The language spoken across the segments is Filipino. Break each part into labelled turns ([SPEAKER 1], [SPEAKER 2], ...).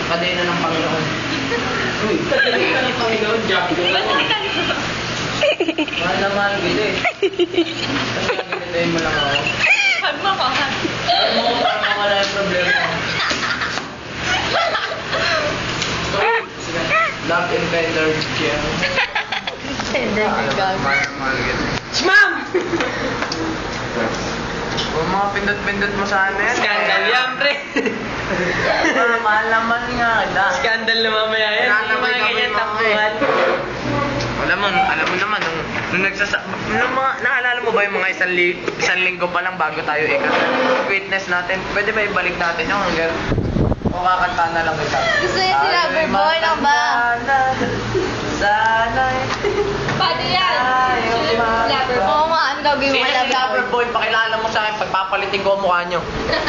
[SPEAKER 1] Kadena ng Panginoon. Uy, kadena ng Panginoon, Jack. Mahal na mahal kita eh. Kasi ginitayin mo lang ako.
[SPEAKER 2] Hag mo ko, hag.
[SPEAKER 1] Hag mo ko para mawala yung problema. Love and tender care.
[SPEAKER 2] Tender
[SPEAKER 1] Mahal na mahal kita.
[SPEAKER 2] Ma'am!
[SPEAKER 1] Kung mga pindot-pindot mo sa ano yan.
[SPEAKER 3] Scandal yan, pre.
[SPEAKER 1] Mahal naman nga.
[SPEAKER 3] Scandal na mamaya yan. Hindi
[SPEAKER 1] Nanamay
[SPEAKER 3] mga
[SPEAKER 1] kami
[SPEAKER 3] ganyan
[SPEAKER 1] mga
[SPEAKER 3] takbuhan.
[SPEAKER 1] Alam mo naman, nung naalala mo ba yung mga isang linggo pa lang bago tayo witness natin, pwede ba ibalik natin yung hanggang o kakanta na lang kita?
[SPEAKER 2] Gusto niya si Loverboy lang ba?
[SPEAKER 1] Sana'y
[SPEAKER 2] Paano yan? Loverboy. Oo nga, ano gagawin mo
[SPEAKER 1] Sino si Loverboy? Pakilala mo sa akin, pagpapalitin ko ang mukha nyo.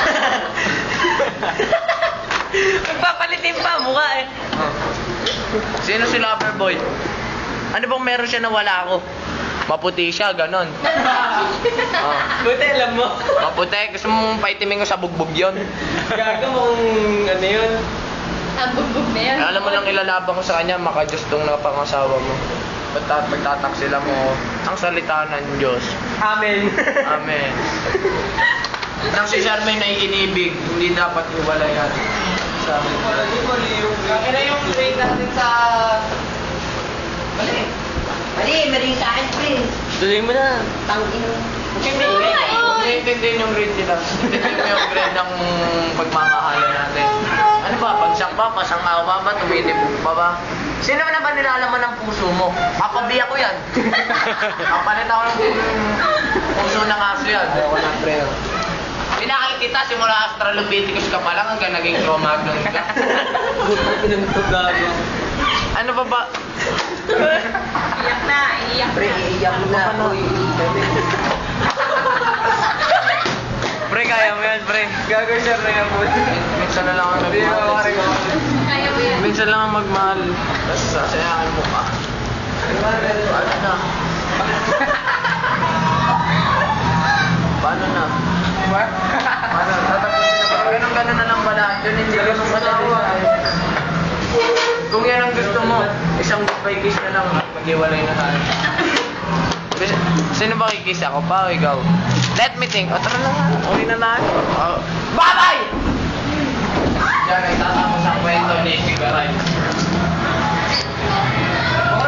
[SPEAKER 3] Magpapalitin pa mukha eh.
[SPEAKER 1] Sino si Loverboy? Ano bang meron siya na wala ako? Maputi siya, ganon.
[SPEAKER 3] Buti alam mo.
[SPEAKER 1] Maputi, gusto mong paitimin ko sa bugbog yun.
[SPEAKER 3] Gago mong ano yun.
[SPEAKER 2] Ang bugbog na yan.
[SPEAKER 1] Alam mo lang ilalaban ko sa kanya, makajos tong napangasawa mo. Pagtataksila mo, ang salita ng Diyos.
[SPEAKER 3] Amen.
[SPEAKER 1] Amen. Nang si Charmaine ay inibig, hindi dapat iwala yan. Sabi ko.
[SPEAKER 3] Kaya yung train natin sa...
[SPEAKER 2] Mali sa akin, pre.
[SPEAKER 3] Tuloy mo na.
[SPEAKER 2] Tangin mo.
[SPEAKER 1] Kung naiintindihin yung grade nila, intindihin mo yung grade ng pagmamahalan natin. Ano ba? Bagsak ba? Pasangawa ba? Tumitibok pa ba? Sino na ba nilalaman ng puso mo? Papabiya ko yan. Papalit ako ng puso ng aso yan. Wala pre. Pinakal kita simula Australopithecus ka pa lang hanggang naging Cro-Magnon ka. Ano ba ba?
[SPEAKER 2] Iyak na, iyak
[SPEAKER 1] Pre, iiyak na. Pre, kaya mo yan, pre.
[SPEAKER 3] Gagawin siya na yung buti.
[SPEAKER 1] Minsan na lang ako nagmahal.
[SPEAKER 2] Kaya mo yan.
[SPEAKER 1] Minsan lang ako magmahal. Tapos sasayangan mo ka. Paano na? Paano na? Paano? Tatapusin na ba? Ganun na lang pala. Yun hindi ganun pala. Kung yan ang gusto mo, isang goodbye kiss na lang at mag-iwalay na tayo. Sino ba kikiss? Ako pa o ikaw? Let me think. O tara na nga. Uwi na tayo. Bye-bye! Diyan ay tatapos ang kwento ni Sigaray.